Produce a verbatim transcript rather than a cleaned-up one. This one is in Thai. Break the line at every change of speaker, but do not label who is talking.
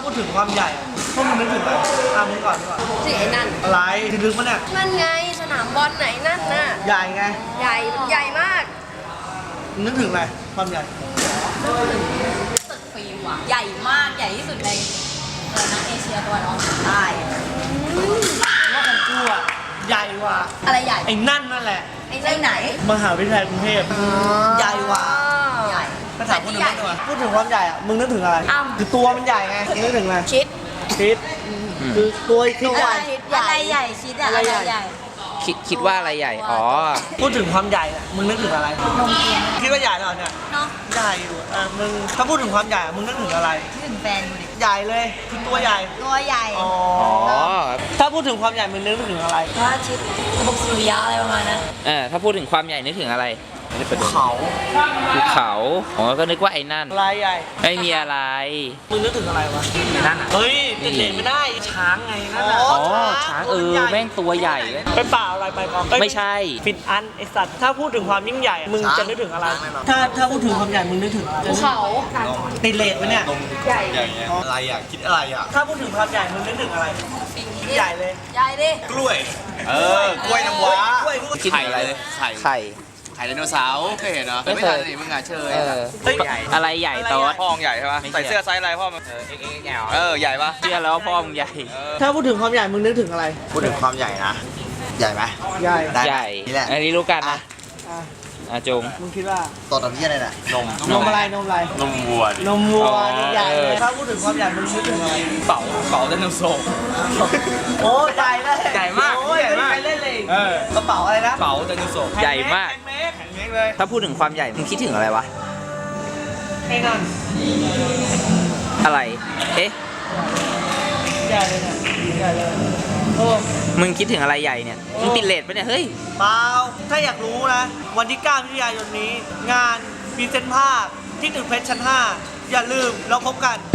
ดถึงความใหญ่พวกมึงนึกถึงอะไรอ่ะมึงก่อนก่อน
สิไอ้นั่น
อะไรถึงมันเนี่ย
นั่นไงสนามบอลไหนนั่นน่ะ
ใหญ่ไง
ใหญ่มันใหญ่มาก
มึงนึกถึงอะไรความใหญ่
ตึกฟิล์มว่ะใหญ่มากใหญ่ที่สุดในเออนะเอเชียตะวันออกเฉียงใต้
ว่าของกูอ่ะใหญ่กว่า
อะไรใหญ่
ไอ้นั่นนั่นแหละ
ไอ้ไอ้ไหน
มหาวิทยาลัยกรุงเทพใหญ่กว่า
ใหญ่
ภาษาพูดถึงไม่ตัวพูดถึงความใหญ่อ่ะมึงนึกถึงอะไรคือตัวมันใหญ่ไงมึงนึกถึงอะไร
ชิด
คิดคือตัวคิดใหญ่
อะไรใหญ่ชิดอะอะไรใหญ่
คิดคิดว่าอะไรใหญ่ อ๋อ
พูดถึงความใหญ่อ่ะมึงนึกถึงอะไร
นมเกียง
คิดว่าใหญ่เหรอเนี่ย
เนาะ
ใหญ่อยู่อ่ะมึงถ้าพูดถึงความใหญ่อะมึงนึกถึงอะไร
ถึงแฟนกูดิ
ใหญ่เลยคือตัวใหญ่
ตัวใหญ่
อ๋อ
อ๋อ
ถ้าพูดถึงความใหญ่มึงนึกถึงอะไร
พระอาทิตย์ระบบสุริยะอะไรประมาณนั้น
เออถ้าพูดถึงความใหญ่นึกถึงอะไร
ภูเขา
ภูเขาอ๋อก็นึกว่าไอ้นั่น
ลายใหญ่
ไม่มีอะไร
มึงนึกถึงอะไรวะ
นั่นอ่ะ
เฮ้ยติดเลนไม่ได้ช้างไงนั่นน่ะ
อ๋อ ช้างเออ แม่งตัวใหญ่เลย
ไปป่าอะไรไปก่อน
ไม่ใช่
ฟิตอันไอสัตว์ถ้าพูดถึงความยิ่งใหญ่มึงจะนึกถึงอะไร ถ้าถ้าพูดถึงความใหญ่มึงนึกถึงอะไร
ภูเขา
ติดเลนไหมเนี่ย
ใหญ่
อะไรอ่ะ คิดอะไรอ่ะ
ถ้าพูดถึงความใหญ่มึงนึกถึงอะไรใหญ่เลย
ใหญ่ดิ
กล้วย เออ กล้วยน้ำว้าก
ล้วยกล้วย
คิดถึงอะไร
ไข่
ไข่
ไข่ไดโนเสาร์เคยเห็นเหรอ
ไม่
ไม่
เคย
ทันนี่มึงอ่ะเชย
เออ
เฮ้ย
อะไรใหญ่โต๊ด
พ่อมึงใหญ่ใช่ปะ
ไม่ใช่
ใส่เสื้อไซส์อะไรพ่อมึง
เออ เอ็กซ์แอล
เออ ใหญ่ปะ
เชื่อแล้วว่าพ่อมึงใหญ่
ถ้าพูดถึงความใหญ่มึงนึกถึงอะไร
พูดถึงความใหญ่นะ ใหญ่ไหม
ใหญ่
ได้
ใหญ่
นี่แหละ
อันนี้รู้กันนะ
อ่ะ
อาจง
มึงคิดว่า
ตัวตอนนี้อะไรน่ะ นม
นมอะไรนมอะไร
นมวัวดิ
นมวัว
อ๋อ
นี่ใหญ่เลย
เออ
ถ้าพูดถึงความใหญ่มึงนึกถึงอะไร
เป๋าเป๋าไดโนเสาร์
โอ้ใหญ่เลย
ใหญ่มาก
โอ้ย
ใหญ่มาก
ไม่มีใครเล่นเลย
เออ
กระเป๋าอะไรนะ
เป๋าไดโนเสาร์
ใหญ่มาก
แพนเมก
แข็งเล็กเลย
ถ้าพูดถึงความใหญ่ มึงคิดถึงอะไรวะ
ไอ้นั่น
อะไร เอ๊ะ
ใหญ่เลยเนี่ยใหญ่เลยโอ้
มึงคิดถึงอะไรใหญ่เนี่ย มึงติดเลทปะเนี่ย เฮ้ย
เปล่าถ้าอยากรู้นะ วันที่เก้ามิถุนายนนี้ งานพรีเซนต์ภาพที่ตึกเพชรชั้นห้าอย่าลืมเราพบกัน